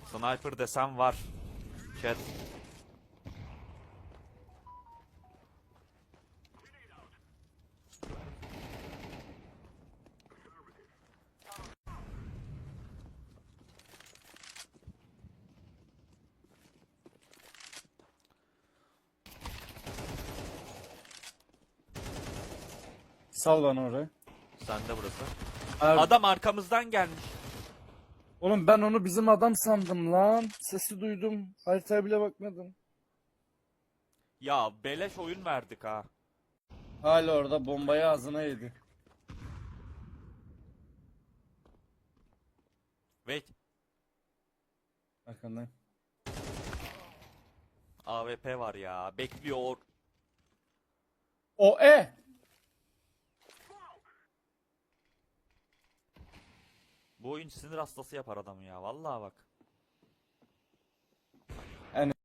Sniper desem var. Chat. Sal bana orayı. Sende burası. Abi, Adam arkamızdan gelmiş. oğlum ben onu bizim adam sandım lan. Sesi duydum. Haritaya bile bakmadım. Ya beleş oyun verdik ha. Hala orada bombayı ağzına yedi. Wait. Arkandayım. AWP var ya. Bekliyor. O e. Bu oyun sinir hastası yapar adamı ya. Vallahi bak.